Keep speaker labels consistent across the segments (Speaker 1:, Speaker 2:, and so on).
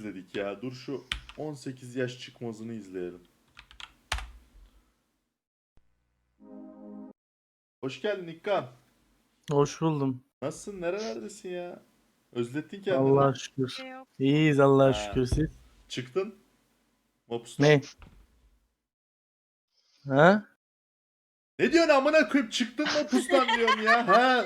Speaker 1: izledik ya. Dur şu 18 yaş çıkmazını izleyelim. Hoş geldin İkkan.
Speaker 2: Hoş buldum.
Speaker 1: Nasılsın? Nerelerdesin ya? Özlettin kendini.
Speaker 2: Allah'a şükür. İyiyiz Allah'a
Speaker 1: Ha.
Speaker 2: şükür siz.
Speaker 1: Çıktın. Mopus'tan.
Speaker 2: Ne? Ha?
Speaker 1: Ne diyorsun amına koyup çıktın Mopus'tan diyorum ya. Ha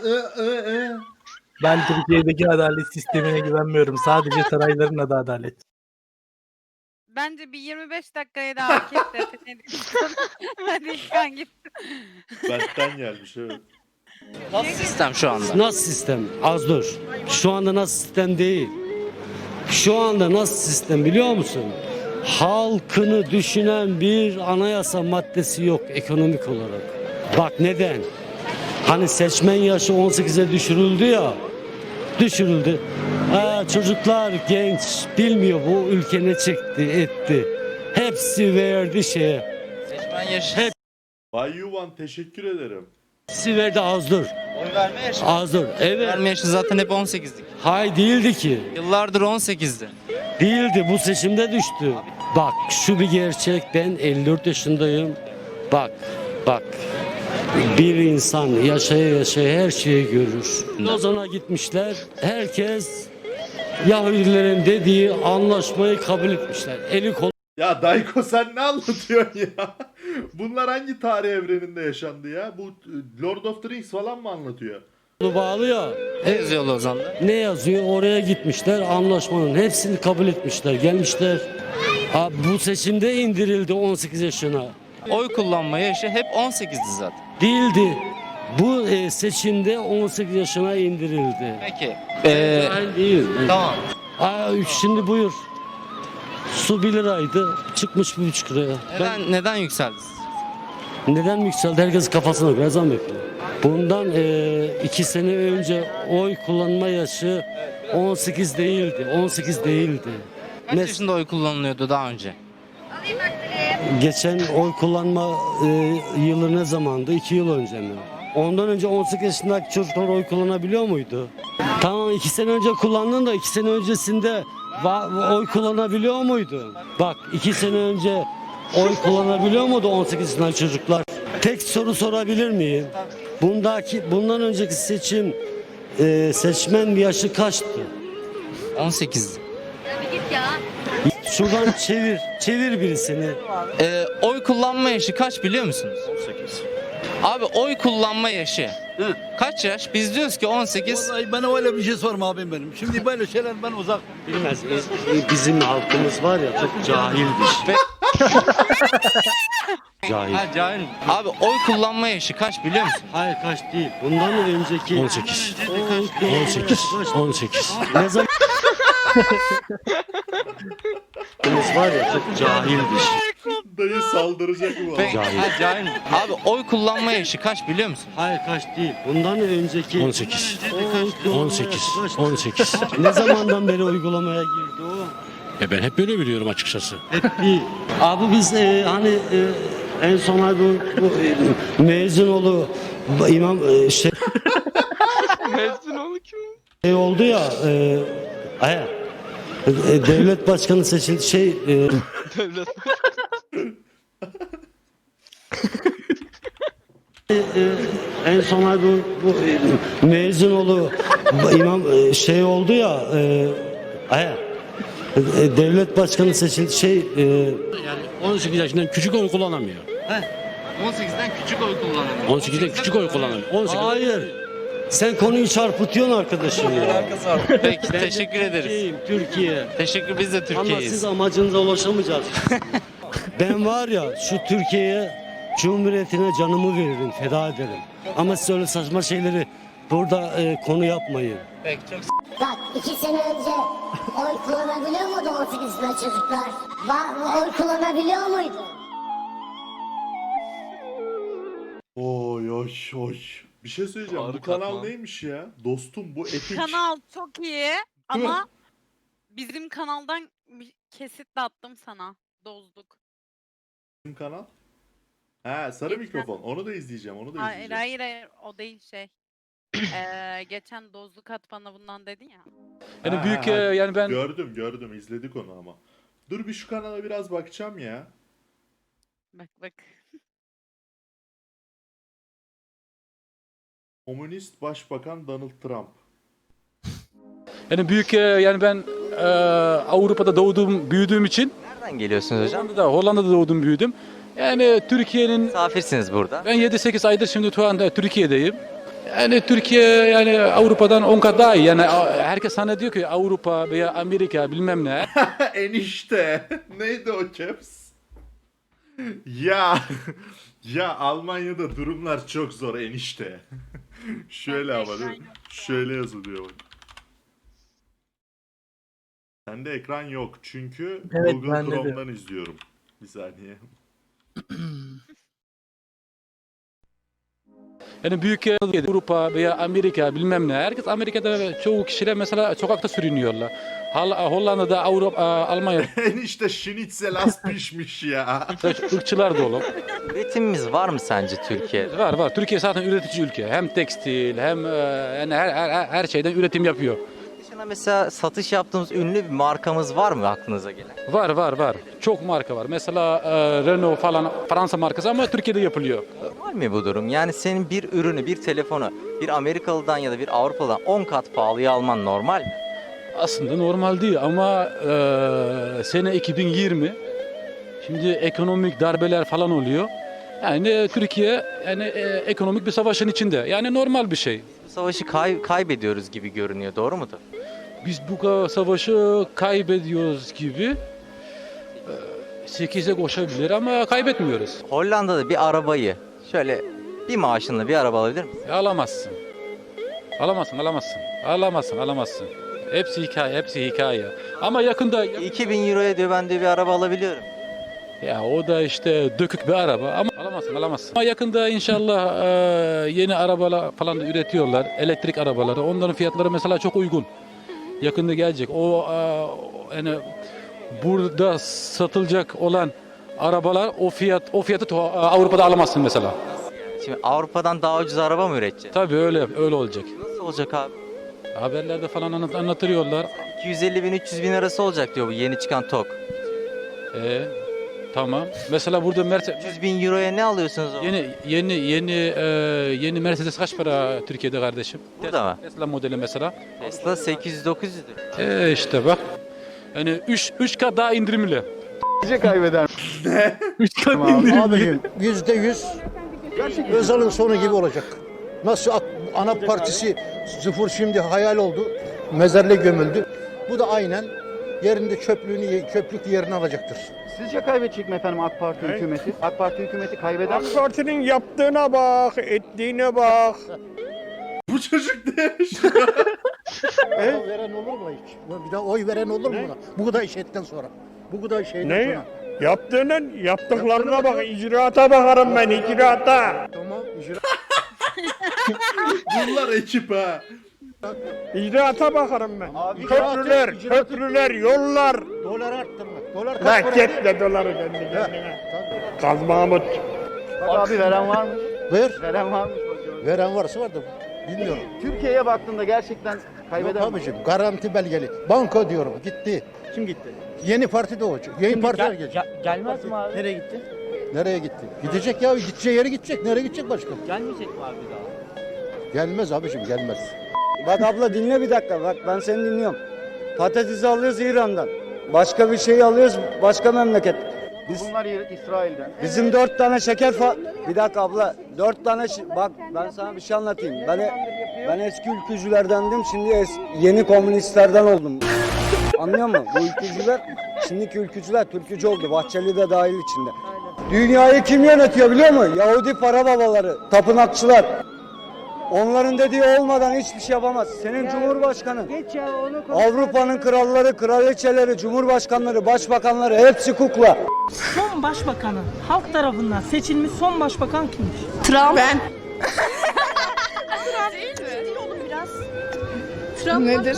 Speaker 2: Ben Türkiye'deki adalet sistemine güvenmiyorum. Sadece sarayların adı adalet.
Speaker 3: Bence bir 25 dakikaya daha hak etti. Ne diyorsun? Hadi İlkan git.
Speaker 1: Benden gelmiş evet.
Speaker 4: Nasıl sistem şu anda?
Speaker 5: Nasıl sistem? Az dur. Şu anda nasıl sistem değil. Şu anda nasıl sistem biliyor musun? Halkını düşünen bir anayasa maddesi yok ekonomik olarak. Bak neden? Hani seçmen yaşı 18'e düşürüldü ya. Düşürüldü. Çocuklar genç bilmiyor bu ülke ne çekti etti. Hepsi verdi şeye.
Speaker 4: Seçmen yaşı.
Speaker 1: Bay Yuvan teşekkür ederim.
Speaker 5: Hepsi verdi az dur.
Speaker 4: Oy verme yaşı.
Speaker 5: Az dur. Evet.
Speaker 4: Verme yaşı zaten hep 18'lik.
Speaker 5: Hay değildi ki.
Speaker 4: Yıllardır 18'di.
Speaker 5: Değildi bu seçimde düştü. Bak şu bir gerçek ben 54 yaşındayım. Bak. Bir insan yaşaya yaşaya her şeyi görür. Lozan'a gitmişler. Herkes Yahudilerin dediği anlaşmayı kabul etmişler. Eli kolu
Speaker 1: Ya Dayko sen ne anlatıyorsun ya? Bunlar hangi tarih evreninde yaşandı ya? Bu Lord of the Rings falan mı anlatıyor?
Speaker 5: bağlı ya.
Speaker 4: Ne yazıyor Lozan'da?
Speaker 5: Ne yazıyor? Oraya gitmişler. Anlaşmanın hepsini kabul etmişler. Gelmişler. Bu seçimde indirildi 18 yaşına.
Speaker 4: Oy kullanma yaşı hep 18'di zaten.
Speaker 5: Değildi. Bu seçimde 18 yaşına indirildi.
Speaker 4: Peki.
Speaker 5: Cahil değil.
Speaker 4: Tamam.
Speaker 5: Şimdi buyur. Su 1 liraydı. Çıkmış 1,5 liraya.
Speaker 4: Neden yükseldi?
Speaker 5: Neden yükseldi? Herkes kafasına göre zam yapıyor. Bundan 2 sene önce oy kullanma yaşı 18 değildi. 18 değildi.
Speaker 4: Kaç yaşında oy kullanılıyordu daha önce?
Speaker 5: Geçen oy kullanma yılı ne zamandı? 2 yıl önce mi? Ondan önce 18 yaşındaki çocuklar oy kullanabiliyor muydu? Tamam 2 sene önce kullandın da 2 sene öncesinde oy kullanabiliyor muydu? Bak 2 sene önce oy kullanabiliyor muydu 18 yaşındaki çocuklar? Tek soru sorabilir miyim? Bundan önceki seçim seçmen yaşı kaçtı?
Speaker 4: 18'di.
Speaker 5: Şuradan çevir birisini.
Speaker 4: Oy kullanma yaşı kaç biliyor musunuz? 18. Abi oy kullanma yaşı kaç yaş? Biz diyoruz ki 18.
Speaker 6: Vallahi bana öyle bir şey sorma abim benim. Şimdi böyle şeyler ben uzak.
Speaker 5: Bilmez. Bizim halkımız var ya çok cahildir. Cahil.
Speaker 4: Ha cahil. Abi oy kullanma yaşı kaç biliyor musun?
Speaker 5: Hayır kaç değil. Bundan önceki
Speaker 6: 18.
Speaker 5: 18. Ne zaman halkımız var ya çok cahildir.
Speaker 1: Dayı saldıracak mı?
Speaker 4: Peki,
Speaker 5: Cahil.
Speaker 4: ha, cahil. Abi oy kullanma yaşı kaç biliyor musun?
Speaker 5: Hayır kaç değil. Bundan önceki
Speaker 6: 18.
Speaker 5: 18. Ne zamandan beri uygulamaya girdi o?
Speaker 6: Ben hep böyle biliyorum açıkçası.
Speaker 5: Hep değil. Abi biz en son ay bu Mezinoğlu imam
Speaker 4: Mezun kim?
Speaker 5: şey oldu ya devlet başkanı seçildi
Speaker 4: Devlet.
Speaker 5: en son ay bu Mezinoğlu imam şey oldu ya devlet başkanı seçildi
Speaker 6: Yani 18 yaşından küçük oy kullanamıyor.
Speaker 4: 18'den küçük oy kullanıyor.
Speaker 6: 18'den küçük oy kullanamıyor. 18.
Speaker 5: hayır sen konuyu çarpıtıyorsun arkadaşım ya.
Speaker 4: Peki teşekkür ederiz.
Speaker 5: Türkiye.
Speaker 4: Teşekkür biz de
Speaker 5: Ama siz
Speaker 4: Türkiye'yiz.
Speaker 5: amacınıza ulaşamayacağız. Ben var ya şu Türkiye'ye Cumhuriyetine canımı veririm, feda ederim. Ama siz öyle saçma şeyleri burada konu yapmayın.
Speaker 4: Peki çok
Speaker 7: Bak 2 sene önce oy kullanabiliyor muydu 18 yaşında çocuklar? Oy kullanabiliyor muydu?
Speaker 1: Oy oy oy. Bir şey söyleyeceğim. Bu
Speaker 4: Harika
Speaker 1: kanal
Speaker 4: lan.
Speaker 1: neymiş ya? Dostum bu epik.
Speaker 3: Kanal çok iyi ama bizim kanaldan bir kesit de attım sana. Dozduk.
Speaker 1: Bizim kanal. Ha sarı
Speaker 3: Geçen-
Speaker 1: mikrofon. Onu da izleyeceğim. Onu da
Speaker 3: Hayır
Speaker 1: izleyeceğim.
Speaker 3: hayır hayır o değil şey. Geçen dozlu kat bana bundan dedin ya.
Speaker 8: Yani
Speaker 1: Ha,
Speaker 8: büyük
Speaker 1: ha,
Speaker 8: yani ben
Speaker 1: Gördüm izledik onu ama. Dur bir şu kanala biraz bakacağım ya.
Speaker 3: Bak.
Speaker 1: Komünist Başbakan Donald Trump.
Speaker 8: yani büyük yani ben Avrupa'da doğdum, büyüdüğüm için
Speaker 9: Nereden geliyorsunuz hocam?
Speaker 8: Hollanda'da doğdum, büyüdüm. Yani Türkiye'nin
Speaker 9: Misafirsiniz burada.
Speaker 8: ben 7-8 aydır şimdi şu anda Türkiye'deyim. Yani Türkiye yani Avrupa'dan 10 kat daha iyi. Yani herkes sana diyor ki Avrupa veya Amerika bilmem ne.
Speaker 1: Enişte. Neydi o caps? Ya. Ya Almanya'da durumlar çok zor enişte. Şöyle ama değil mi? Şöyle yazılıyor bak. Sende ekran yok çünkü
Speaker 2: Evet,
Speaker 1: Google
Speaker 2: bende de.
Speaker 1: Chrome'dan izliyorum. Bir saniye.
Speaker 8: Yani büyük Avrupa veya Amerika bilmem ne. Herkes Amerika'da çoğu kişiler mesela sokakta sürünüyorlar. Hollanda'da, Avrupa, Almanya'da
Speaker 1: Enişte şinitzel az pişmiş ya.
Speaker 8: ırkçılar dolu.
Speaker 9: Üretimimiz var mı sence Türkiye'de?
Speaker 8: Var. Türkiye zaten üretici ülke. Hem tekstil hem yani her şeyden üretim yapıyor.
Speaker 9: Dışına mesela satış yaptığımız ünlü bir markamız var mı aklınıza gelen?
Speaker 8: Var. Çok marka var. Mesela Renault falan Fransa markası ama Türkiye'de yapılıyor.
Speaker 9: Normal mi bu durum? Yani senin bir ürünü, bir telefonu bir Amerikalı'dan ya da bir Avrupalı'dan 10 kat pahalıya alman normal mi?
Speaker 8: Aslında normal değil ama sene 2020 şimdi ekonomik darbeler falan oluyor. Yani Türkiye yani ekonomik bir savaşın içinde. Yani normal bir şey.
Speaker 9: Bu savaşı kaybediyoruz gibi görünüyor. Doğru mudur?
Speaker 8: Biz bu savaşı kaybediyoruz gibi 8'e koşabilir ama kaybetmiyoruz.
Speaker 9: Hollanda'da bir arabayı şöyle bir maaşınla bir araba alabilir misin?
Speaker 8: Alamazsın. Alamazsın. Hepsi hikaye. Ama yakında
Speaker 9: 2000 euroya diyor ben de bir araba alabiliyorum.
Speaker 8: ya o da işte dökük bir araba ama alamazsın. Ama yakında inşallah yeni arabalar falan da üretiyorlar. Elektrik arabaları. Onların fiyatları mesela çok uygun. Yakında gelecek. O yani burada satılacak olan arabalar o fiyatı Avrupa'da alamazsın mesela.
Speaker 9: Şimdi Avrupa'dan daha ucuz araba mı üreteceğiz?
Speaker 8: Tabii öyle olacak.
Speaker 9: Nasıl olacak abi?
Speaker 8: Haberlerde falan anlatıyorlar.
Speaker 9: 250 bin 300 bin arası olacak diyor bu yeni çıkan TOG.
Speaker 8: Tamam. Mesela burada Mercedes
Speaker 9: 300 bin euroya ne alıyorsunuz o?
Speaker 8: yeni Mercedes kaç para Türkiye'de kardeşim?
Speaker 9: Burada mı?
Speaker 8: Tesla modeli mesela.
Speaker 9: Tesla 800-900'dür.
Speaker 8: İşte bak. Yani 3 kat daha indirimli.
Speaker 6: kaybeder.
Speaker 8: 3 kat indirimli.
Speaker 10: Abicim %100 Özal'ın sonu gibi olacak. Nasıl ana partisi sıfır şimdi hayal oldu. Mezarlığa gömüldü. Bu da aynen yerinde çöplük yerini alacaktır.
Speaker 6: Sizce kaybedecek mi efendim AK Parti hükümeti? AK Parti hükümeti kaybeder mi?
Speaker 10: AK Parti'nin yaptığına bak, ettiğine bak.
Speaker 1: Bu çocuk ne yaşıyor?
Speaker 10: Oy veren olur mu hiç? Bir daha oy veren olur mu buna? Bu kadar işetten sonra. Bu kadar şeyden sonra.
Speaker 11: Yaptıklarına bak, icraata bakarım ben, icraata.
Speaker 10: Tamam.
Speaker 1: Bunlar ekip ha.
Speaker 11: İcraata bakarım ben.
Speaker 10: Abi,
Speaker 11: Köprüler, yollar.
Speaker 10: Dolar arttırmak. Dolar kaç
Speaker 11: Lan
Speaker 10: para?
Speaker 11: git de doları kendi kendine. Kaz Mahmut.
Speaker 6: Abi veren var mı?
Speaker 10: Veren var mı? Veren varsa var da bilmiyorum.
Speaker 6: Türkiye'ye baktığında gerçekten kaybeder
Speaker 10: Yok
Speaker 6: mi?
Speaker 10: abicim garanti belgeli. Banka diyorum gitti. Kim gitti? Yeni parti de olacak. Yeni partiler gelecek.
Speaker 11: Gelmez mi abi?
Speaker 10: Nereye gitti? Nereye gitti? Gidecek ya. Gideceği yere gidecek. Nereye gidecek başka?
Speaker 11: Gelmeyecek mi abi daha?
Speaker 10: Gelmez abicim gelmez.
Speaker 5: Bak abla dinle bir dakika. Bak ben seni dinliyorum. Patatesi alıyoruz İran'dan. Başka bir şey alıyoruz başka memleket.
Speaker 6: Bunlar İsrail'den.
Speaker 5: Bizim 4 tane şeker Bir dakika abla. 4 tane bak ben sana bir şey anlatayım. Ben eski ülkücülerdendim. Şimdi yeni komünistlerden oldum. Anlıyor musun? Bu ülkücüler şimdiki ülkücüler Türkücü oldu. Bahçeli de dahil içinde. Dünyayı kim yönetiyor biliyor musun? Yahudi para babaları, tapınakçılar. Onların dediği olmadan hiçbir şey yapamaz. Senin Cumhurbaşkanın, Avrupa'nın kralları, kraliçeleri, cumhurbaşkanları, başbakanları hepsi kukla.
Speaker 11: Son başbakanın halk tarafından seçilmiş son başbakan kimmiş?
Speaker 3: Trump.
Speaker 11: Ben.
Speaker 3: Trump nedir?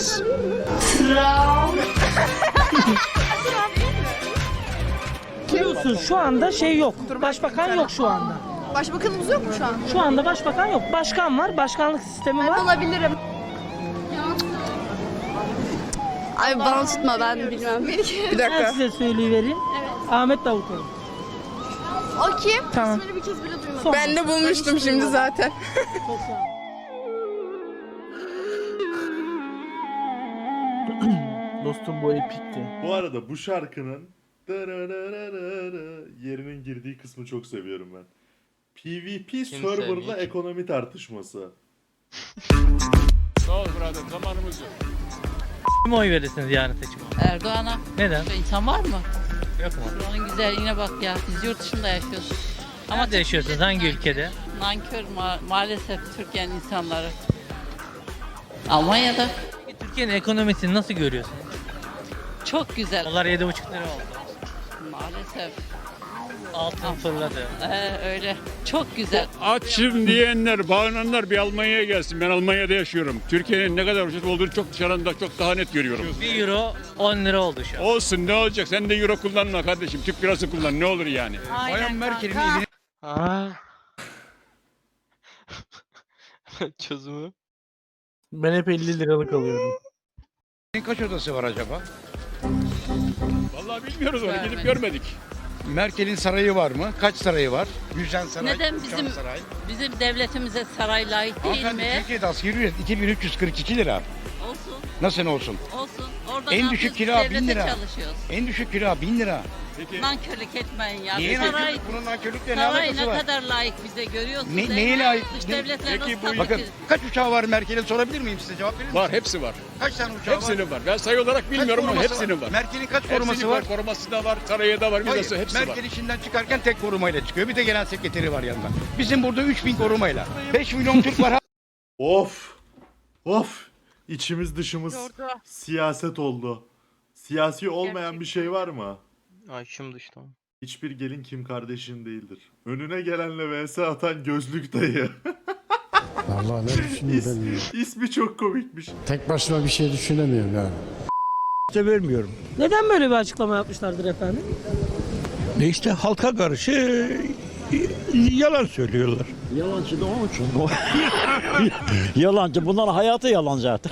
Speaker 11: Biliyorsun şu anda şey yok. Başbakan yok şu anda.
Speaker 12: Başbakanımız yok mu şu an?
Speaker 11: Şu anda başbakan yok. Başkan var, başkanlık sistemi var.
Speaker 12: Olabilirim. Ay bana tutma, ben bilmem. Bir
Speaker 11: Ben size söyleyivereyim. Ahmet Davutoğlu.
Speaker 12: O kim?
Speaker 11: Tamam.
Speaker 12: İsmini bir kez bile duymadım.
Speaker 11: Son.
Speaker 12: Ben de bulmuştum şimdi zaten.
Speaker 11: Çok sağ ol. Dostum bu epikti.
Speaker 1: Bu arada bu şarkının yerinin girdiği kısmı çok seviyorum ben. PvP serverla
Speaker 4: sevmiyor ki?
Speaker 1: ekonomi tartışması.
Speaker 8: Sağ ol birader, zamanımız yok.
Speaker 2: Kim oy verirsiniz yarın seçime?
Speaker 3: Erdoğan'a.
Speaker 2: Neden?
Speaker 3: İnsan var mı?
Speaker 2: Yok mu?
Speaker 3: Buranın güzelliğine bak ya. Biz yurt dışında yaşıyoruz.
Speaker 2: Nerede yaşıyorsunuz? Hangi ülkede?
Speaker 3: Nankör maalesef Türkiye'nin insanları. Almanya'da.
Speaker 2: Türkiye'nin ekonomisini nasıl görüyorsunuz?
Speaker 3: Çok güzel.
Speaker 2: Dolar 7,5 lira oldu.
Speaker 3: Maalesef.
Speaker 2: Altın fırladı.
Speaker 3: Öyle. Çok güzel.
Speaker 8: Açım diyenler, bağınanlar bir Almanya'ya gelsin. Ben Almanya'da yaşıyorum. Türkiye'nin ne kadar ucuz olduğunu çok dışarıdan çok daha net görüyorum.
Speaker 2: 1 euro 10 lira oldu şu an.
Speaker 8: Olsun, ne olacak? Sen de euro kullanma kardeşim. Türk lirası kullan, ne olur yani.
Speaker 3: Aynen kanka.
Speaker 4: Çözümü.
Speaker 2: Ben hep 50 liralık alıyorum.
Speaker 6: Kaç odası var acaba?
Speaker 8: Vallahi bilmiyoruz onu, gidip
Speaker 3: Görmedim.
Speaker 8: görmedik.
Speaker 6: Merkel'in sarayı var mı? Kaç sarayı var? Gülşen Saray,
Speaker 3: Neden
Speaker 6: Uçan
Speaker 3: bizim
Speaker 6: Saray.
Speaker 3: bizim devletimize saray layık değil
Speaker 6: Hanımefendi,
Speaker 3: mi?
Speaker 6: Türkiye'de asgari ücret 2342 lira.
Speaker 3: Olsun.
Speaker 6: Nasıl olsun?
Speaker 3: Olsun. Orada
Speaker 6: En
Speaker 3: ne
Speaker 6: düşük
Speaker 3: yapıyoruz?
Speaker 6: kira 1000
Speaker 3: Devlete
Speaker 6: lira.
Speaker 3: çalışıyoruz.
Speaker 6: En düşük kira 1000 lira.
Speaker 3: Nankörlük etmeyin ya.
Speaker 6: Niye
Speaker 3: Saray,
Speaker 6: nankörlük? Bunun nankörlükle ne
Speaker 3: saray
Speaker 6: alakası
Speaker 3: ne
Speaker 6: var?
Speaker 3: kadar layık bize görüyorsunuz.
Speaker 6: Ne-
Speaker 3: değil
Speaker 6: neye
Speaker 3: mi?
Speaker 6: layık?
Speaker 3: Dış
Speaker 6: Ne-
Speaker 3: devletler
Speaker 8: Peki
Speaker 3: nasıl
Speaker 8: bu-
Speaker 6: Bakın
Speaker 3: tabii ki?
Speaker 6: kaç uçağı var Merkel'in, sorabilir miyim size, cevap verir misiniz?
Speaker 8: Var, hepsi var.
Speaker 6: Kaç tane uçağı var?
Speaker 8: Hepsinin var. Ben sayı olarak bilmiyorum ama
Speaker 6: koruması
Speaker 8: hepsinin var.
Speaker 6: Merkel'in kaç
Speaker 8: Hepsinin
Speaker 6: koruması var?
Speaker 8: Koruması da var, sarayı da var,
Speaker 6: Hayır,
Speaker 8: vizesi hepsi var.
Speaker 6: Merkel işinden çıkarken tek korumayla çıkıyor. Bir de genel sekreteri var yanında. Bizim burada 3000 korumayla. 5 milyon Türk var.
Speaker 1: Of. Of. İçimiz dışımız
Speaker 3: Yordu.
Speaker 1: siyaset oldu. Siyasi olmayan bir şey var mı?
Speaker 4: Ay şimdi işte.
Speaker 1: Hiçbir gelin Kim kardeşin değildir. Önüne gelenle vs atan gözlük dayı.
Speaker 10: Vallahi ne düşüneyim
Speaker 1: İsmi çok komikmiş.
Speaker 10: Tek başıma bir şey düşünemiyorum yani.
Speaker 6: Vermiyorum.
Speaker 11: Neden böyle bir açıklama yapmışlardır efendim?
Speaker 6: İşte halka karşı yalan söylüyorlar.
Speaker 10: Yalancı da onun için. Yalancı. Bunların hayatı yalan zaten.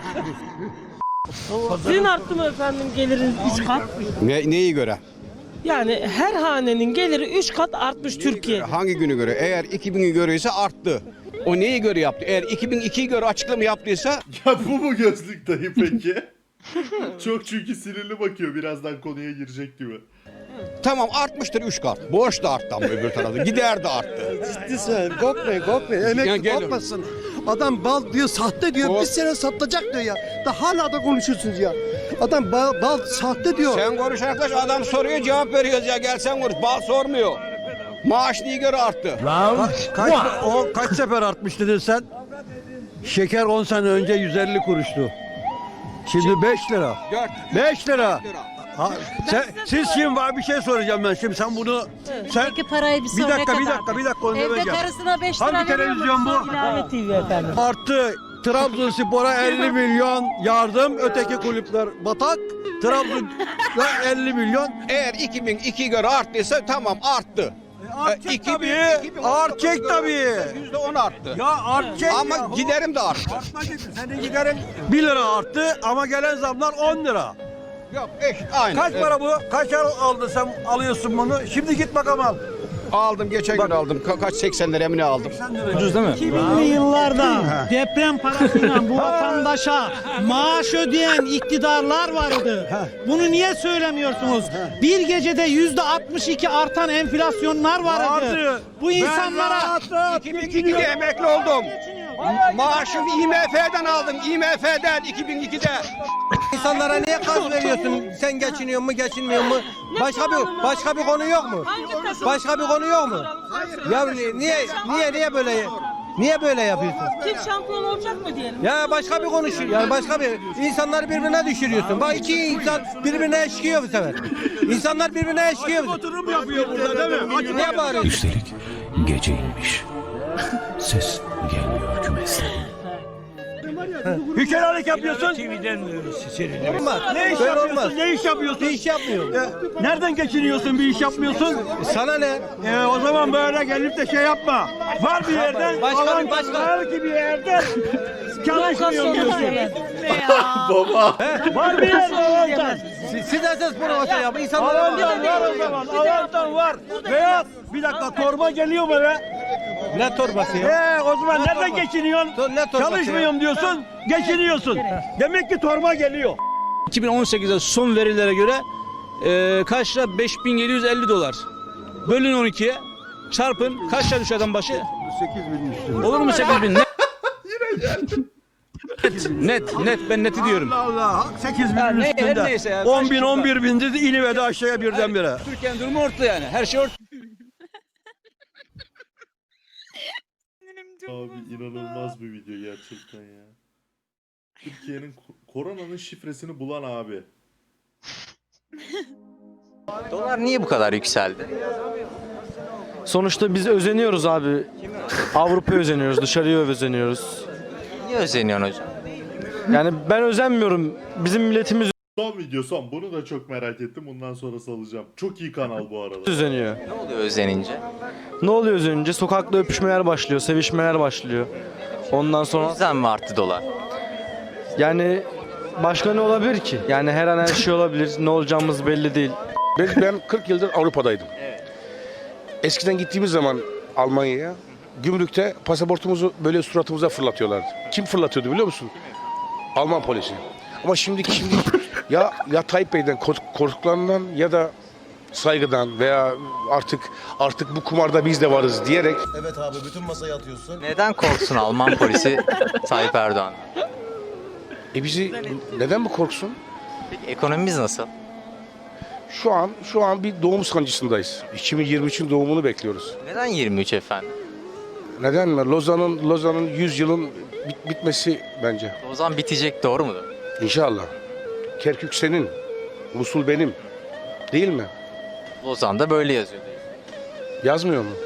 Speaker 11: Sizin arttı mı efendim geliriniz 3 kat?
Speaker 6: Neyi göre?
Speaker 11: Yani her hanenin geliri 3 kat artmış Türkiye'de.
Speaker 6: Hangi günü göre? Eğer 2000'i göre ise arttı. O neyi göre yaptı? Eğer 2002'yi göre açıklama yaptıysa
Speaker 1: Ya bu mu gözlük dayı peki? Çok çünkü sinirli bakıyor, birazdan konuya girecek gibi.
Speaker 6: tamam artmıştır 3 kat. Borç da arttı ama öbür tarafta. Gider de arttı.
Speaker 10: Ciddi sen. Korkmayın.
Speaker 6: Emekli
Speaker 10: korkmasın. Adam bal diyor, sahte diyor. Bir sene satacak diyor ya. Da hala da konuşuyorsunuz ya. Adam bal sahte diyor.
Speaker 6: Sen konuş arkadaş, adam soruyor cevap veriyoruz ya, gel sen konuş. Bal sormuyor. Maaş neye göre arttı?
Speaker 10: Kaç sefer artmış dedin sen? Şeker 10 sene önce 150 kuruştu. Şimdi 5 lira. 5 lira. Siz şimdi var bir şey soracağım ben şimdi, sen bunu sen
Speaker 11: Peki parayı
Speaker 10: bir dakika onu demeyeceğim.
Speaker 11: karısına 5
Speaker 10: lira Hangi televizyon bu?
Speaker 11: İlave TV efendim.
Speaker 10: Arttı. Trabzonspor'a 50 milyon yardım, öteki kulüpler batak. Trabzon'a 50 milyon.
Speaker 6: Eğer 2002'ye göre arttıysa tamam arttı.
Speaker 10: Artacak tabii.
Speaker 6: %10 arttı.
Speaker 10: Ya artacak
Speaker 6: Ama
Speaker 10: ya.
Speaker 6: giderim de arttı.
Speaker 10: Senin giderin 1 lira arttı ama gelen zamlar 10 lira.
Speaker 6: Yok eşit aynı.
Speaker 10: Kaç para bu? Kaç aldın sen, alıyorsun bunu? Şimdi git bakalım al.
Speaker 6: Aldım, geçen gün aldım. Kaç 80 lira mı ne aldım?
Speaker 10: Ucuz değil mi?
Speaker 11: 2000'li yıllarda deprem parasıyla bu vatandaşa maaş ödeyen iktidarlar vardı. Bunu niye söylemiyorsunuz? Bir gecede %62 artan enflasyonlar vardı. Bu insanlara
Speaker 6: 2002'de emekli oldum. Maaşımı IMF'den aldım. IMF'den 2002'de.
Speaker 10: İnsanlara niye gaz veriyorsun? Sen geçiniyor mu, geçinmiyor mu? Başka bir konu yok mu? Başka bir konu yok mu? Ya niye böyle yapıyorsun?
Speaker 11: kim şampiyon olacak mı diyelim?
Speaker 10: Ya başka bir konuşuyor. Yani başka bir insanları birbirine düşürüyorsun. Bak iki insan birbirine eşkiyor bu sefer. İnsanlar birbirine eşkiyor. Oturum yapıyor burada değil mi? Niye bağırıyorsun?
Speaker 13: Üstelik gece inmiş. Ses gelmiyor kümesten.
Speaker 6: Hükümelik yapıyorsun. Olmaz. Ne iş yapıyorsun? Ne iş yapıyorsun? Bir iş yapmıyorum. Nereden geçiniyorsun? Bir iş yapmıyorsun. Sana ne? O zaman böyle gelip de şey yapma. Var bir yerden. Var ki bir yerden. Çalışmıyorum diyorsun.
Speaker 1: Baba.
Speaker 6: Var bir yerden avantaj. Siz esas promosyon yapın. Avantaj var o zaman. Avantaj var. Veya bir dakika torba geliyor mu be?
Speaker 2: Ne torbası ya?
Speaker 6: O zaman nereden geçiniyorsun? Çalışmıyorum diyorsun, geçiniyorsun. Demek ki torba geliyor.
Speaker 2: 2018'de son verilere göre kaç lira? 5750 dolar. Bölün 12'ye. Çarpın. Kaç lira düşüyor adam başı?
Speaker 6: 8.000 üstü.
Speaker 2: Olur mu 8000? Net.
Speaker 1: Yine geldi.
Speaker 2: Net. Ben neti diyorum.
Speaker 6: Allah 8.000 üstünde.
Speaker 2: Neyse ya.
Speaker 6: 10.000 11.000'de inivedi aşağıya birdenbire.
Speaker 2: Türkiye'nin durumu ortada yani. Her şey ortada.
Speaker 1: Abi inanılmaz bir video gerçekten ya. Türkiye'nin koronanın şifresini bulan abi.
Speaker 9: Dolar niye bu kadar yükseldi?
Speaker 5: Sonuçta biz özeniyoruz abi. Avrupa'ya özeniyoruz, dışarıya özeniyoruz.
Speaker 9: Niye özeniyorsun hocam?
Speaker 5: Yani ben özenmiyorum. Bizim milletimiz
Speaker 1: Son video son. Bunu da çok merak ettim. Bundan sonra salacağım. Çok iyi kanal bu arada.
Speaker 5: özeniyor.
Speaker 9: Ne oluyor özenince?
Speaker 5: Ne oluyor özenince? Sokakta öpüşmeler başlıyor, sevişmeler başlıyor. Ondan
Speaker 9: O
Speaker 5: sonra
Speaker 9: yüzden mi arttı dolar?
Speaker 5: yani başka ne olabilir ki? Yani her an her şey olabilir. Ne olacağımız belli değil.
Speaker 6: Ben 40 yıldır Avrupa'daydım. Eskiden gittiğimiz zaman Almanya'ya gümrükte pasaportumuzu böyle suratımıza fırlatıyorlardı. Kim fırlatıyordu biliyor musun? Alman polisi. Ama şimdi ya Tayyip Bey'den korktuklarından ya da saygıdan veya artık bu kumarda biz de varız diyerek.
Speaker 10: Evet abi bütün masaya atıyorsun.
Speaker 9: Neden korksun Alman polisi Tayyip Erdoğan?
Speaker 6: Bizi neden mi korksun?
Speaker 9: Peki ekonomimiz nasıl?
Speaker 6: Şu an bir doğum sancısındayız. 2023'ün doğumunu bekliyoruz.
Speaker 9: Neden 23 efendim?
Speaker 6: Neden mi? Lozan'ın 100 yılın bitmesi bence.
Speaker 9: O zaman bitecek, doğru mudur?
Speaker 6: İnşallah. Kerkük senin, Musul benim. Değil mi?
Speaker 9: Lozan'da böyle yazıyor.
Speaker 6: Yazmıyor mu?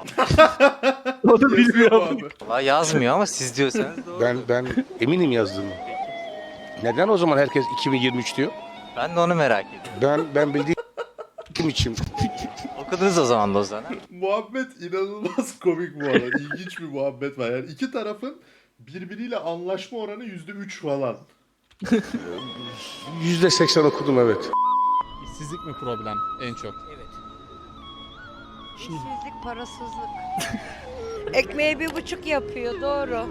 Speaker 5: O da
Speaker 1: Bilmiyorum abi.
Speaker 9: Valla yazmıyor ama siz diyorsanız doğru.
Speaker 6: Ben eminim yazdığımı. Neden o zaman herkes 2023 diyor?
Speaker 9: Ben de onu merak ediyorum.
Speaker 6: Ben bildiğim için.
Speaker 9: Okudunuz o zaman Lozan'ı.
Speaker 1: Muhabbet inanılmaz komik bu arada. İlginç bir muhabbet var. Yani iki tarafın birbiriyle anlaşma oranı %3 falan.
Speaker 6: %80 okudum evet.
Speaker 8: İşsizlik mi problem en çok?
Speaker 12: İşsizlik, parasızlık. Ekmeği 1,5 yapıyor, doğru.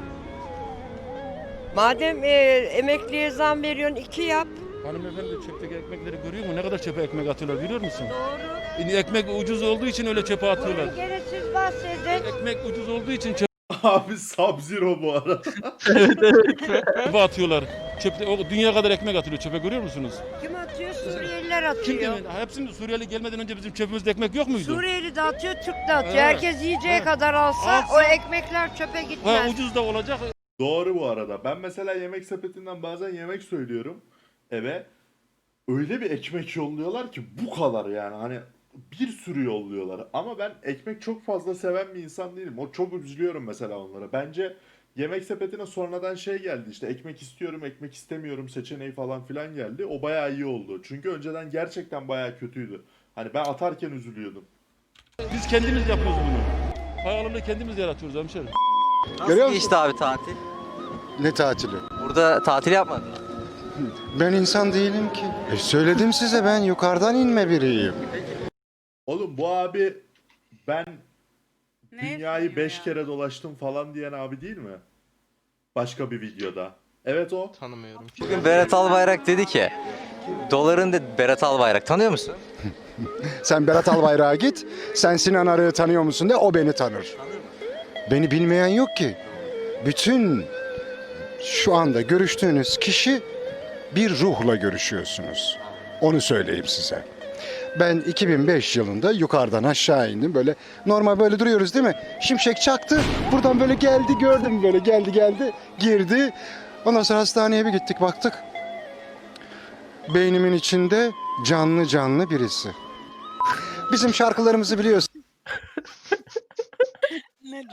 Speaker 12: Madem emekliye zam veriyorsun 2 yap.
Speaker 8: Hanımefendi çöpteki ekmekleri görüyor mu? Ne kadar çöpe ekmek atıyorlar biliyor musun?
Speaker 12: Doğru.
Speaker 8: Ekmek ucuz olduğu için öyle çöpe atıyorlar.
Speaker 12: Gene siz bahsedin.
Speaker 8: Ekmek ucuz olduğu için
Speaker 1: Abi Sub-Zero bu arada.
Speaker 8: çöpe atıyorlar. Çöpte, dünya kadar ekmek atılıyor çöpe, görüyor musunuz?
Speaker 12: Kim atıyor? Suriyeliler
Speaker 8: Kim
Speaker 12: atıyor.
Speaker 8: demedi? Hepsinin Suriyeli gelmeden önce bizim çöpümüzde ekmek yok muydu?
Speaker 12: Suriyeli de atıyor, Türk de atıyor.
Speaker 8: Evet.
Speaker 12: Herkes yiyeceği kadar alsa
Speaker 8: Alsa-
Speaker 12: o ekmekler çöpe gitmez.
Speaker 8: Ucuz da olacak.
Speaker 1: Doğru bu arada. Ben mesela yemek sepetinden bazen yemek söylüyorum eve. Öyle bir ekmek yolluyorlar ki bu kadar yani. Hani bir sürü yolluyorlar. Ama ben ekmek çok fazla seven bir insan değilim. O çok üzülüyorum mesela onlara. Bence yemek sepetine sonradan şey geldi işte ekmek istiyorum, ekmek istemiyorum seçeneği falan filan geldi. O bayağı iyi oldu. Çünkü önceden gerçekten bayağı kötüydü. Hani ben atarken üzülüyordum.
Speaker 8: Biz kendimiz yapıyoruz bunu. Pahalılığı kendimiz yaratıyoruz hemşerim.
Speaker 9: Nasıl geçti abi tatil?
Speaker 10: Ne tatili?
Speaker 9: Burada tatil yapmadın mı?
Speaker 10: Ben insan değilim ki. Söyledim size ben yukarıdan inme biriyim.
Speaker 1: Oğlum bu abi ben
Speaker 3: Ne
Speaker 1: dünyayı
Speaker 3: yapıyor
Speaker 1: 5
Speaker 3: ya?
Speaker 1: kere dolaştım falan diyen abi değil mi? Başka bir videoda. Evet o.
Speaker 9: Tanımıyorum. Bugün Berat Albayrak dedi ki doların dedi, Berat Albayrak tanıyor musun?
Speaker 10: Sen Berat Albayrak'a git. Sen Sinan Arı'yı tanıyor musun de o beni tanır. Beni bilmeyen yok ki. Bütün şu anda görüştüğünüz kişi bir ruhla görüşüyorsunuz. Onu söyleyeyim size. Ben 2005 yılında yukarıdan aşağı indim böyle normal böyle duruyoruz değil mi? Şimşek çaktı. Buradan böyle geldi gördüm böyle geldi girdi. Ondan sonra hastaneye bir gittik baktık. Beynimin içinde canlı birisi. Bizim şarkılarımızı biliyorsun.
Speaker 3: Neden?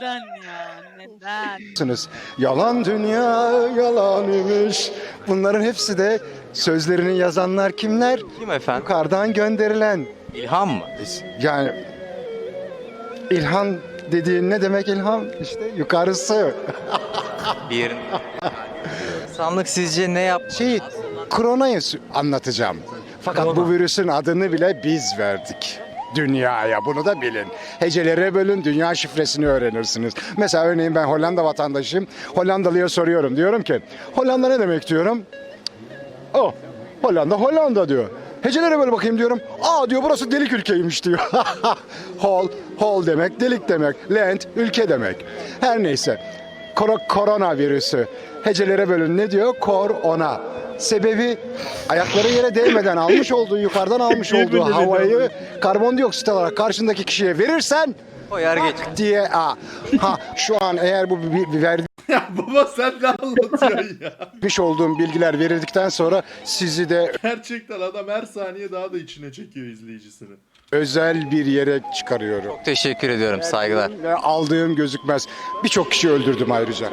Speaker 3: Neden ya? Neden?
Speaker 10: Yalan dünya yalan imiş. Bunların hepsi de sözlerini yazanlar kimler?
Speaker 9: Kim efendim?
Speaker 10: Yukarıdan gönderilen.
Speaker 9: İlham mı?
Speaker 10: Yani İlhan dediğin ne demek ilham? İşte yukarısı.
Speaker 9: Bir yerin. İnsanlık sizce ne yapmalı?
Speaker 10: Koronayı anlatacağım. Fakat bu virüsün adını bile biz verdik. Dünyaya, bunu da bilin. Hecelere bölün, dünya şifresini öğrenirsiniz. Mesela örneğin ben Hollanda vatandaşıyım. Hollandalıya soruyorum. Diyorum ki Hollanda ne demek diyorum. O Hollanda diyor. Hecelere böyle bakayım diyorum. Diyor burası delik ülkeymiş diyor. Hol demek delik demek. Land ülke demek. Her neyse. Korona virüsü. Hecelere bölün ne diyor? Korona. Sebebi ayakları yere değmeden almış olduğu, yukarıdan almış olduğu havayı karbondioksit olarak karşındaki kişiye verirsen
Speaker 9: O yer geç.
Speaker 10: diye şu an eğer bu verdiğim
Speaker 1: Ya baba sen ne anlatıyorsun ya?
Speaker 10: olduğum bilgiler verildikten sonra sizi de
Speaker 1: Gerçekten adam her saniye daha da içine çekiyor izleyicisini.
Speaker 10: özel bir yere çıkarıyorum.
Speaker 9: Çok teşekkür ediyorum. Saygılar.
Speaker 10: Ve aldığım gözükmez. Birçok kişi öldürdüm ayrıca.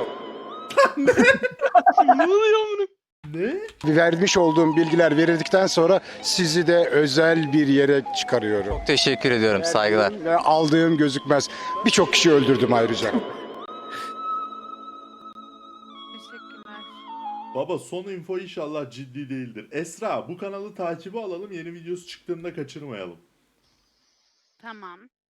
Speaker 1: Ne?
Speaker 10: Vermiş olduğum bilgiler verildikten sonra sizi de özel bir yere çıkarıyorum.
Speaker 9: Çok teşekkür ediyorum. Saygılar.
Speaker 10: Ve aldığım gözükmez. Birçok kişi öldürdüm ayrıca.
Speaker 3: Teşekkürler.
Speaker 1: Baba son info inşallah ciddi değildir. Esra bu kanalı takibi alalım, yeni videosu çıktığında kaçırmayalım.
Speaker 3: Tamam.